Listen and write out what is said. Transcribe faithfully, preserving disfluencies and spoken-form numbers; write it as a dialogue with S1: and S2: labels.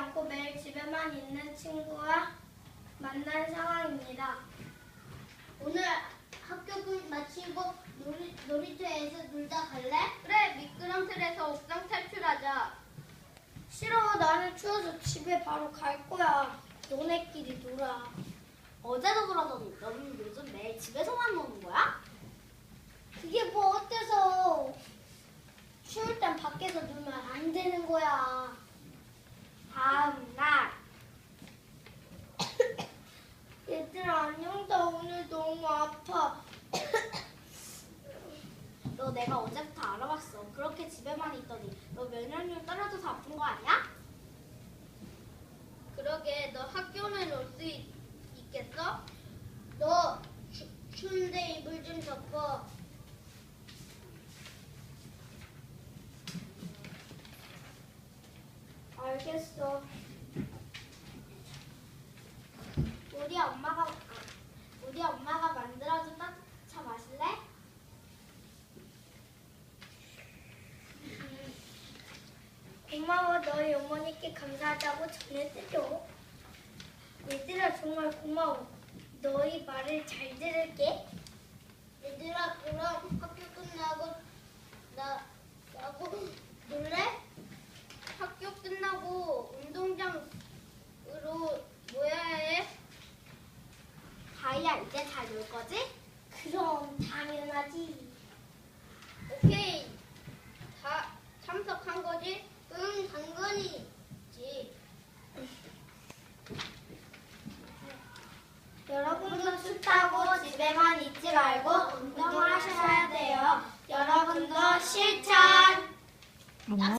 S1: 않고 매일 집에만 있는 친구와 만난 상황입니다.
S2: 오늘 학교 끝 마치고 놀이, 놀이터에서 놀다 갈래?
S3: 그래, 미끄럼틀에서 옥상 탈출하자.
S1: 싫어, 나는 추워서 집에 바로 갈 거야. 너네끼리 놀아.
S2: 어제도 그러더니 너는 요즘 매일 집에서만 노는 거야?
S1: 그게 뭐 어때서? 추울 땐 밖에서 놀면 안 되는 거야.
S2: 다음 날
S1: 얘들아, 안녕. 나 오늘 너무 아파.
S2: 너 내가 어제부터 알아봤어. 그렇게 집에만 있더니 너 면역력 떨어져서 아픈 거 아니야?
S3: 그러게, 너 학교는 올 수 있겠어?
S2: 너 추, 추운데 이불 좀 덮어.
S1: 알겠어.
S2: 우리 엄마가 아, 우리 엄마가 만들어준 따뜻차 마실래?
S1: 고마워. 너희 어머니께 감사하다고 전해드려. 얘들아, 정말 고마워. 너희 말을 잘 들을게.
S2: 얘들아, 그럼 학교 끝나고 나 나고 놀래?
S3: 학교 끝나고 운동장으로 모여야 해.
S2: 다이야, 이제 잘 놀 거지?
S1: 그럼 당연하지.
S3: 오케이. 다 참석한 거지?
S2: 응, 당근이지.
S1: 여러분도 춥다고 집에만 있지 말고 운동을 하셔야 돼요. 여러분도 실천!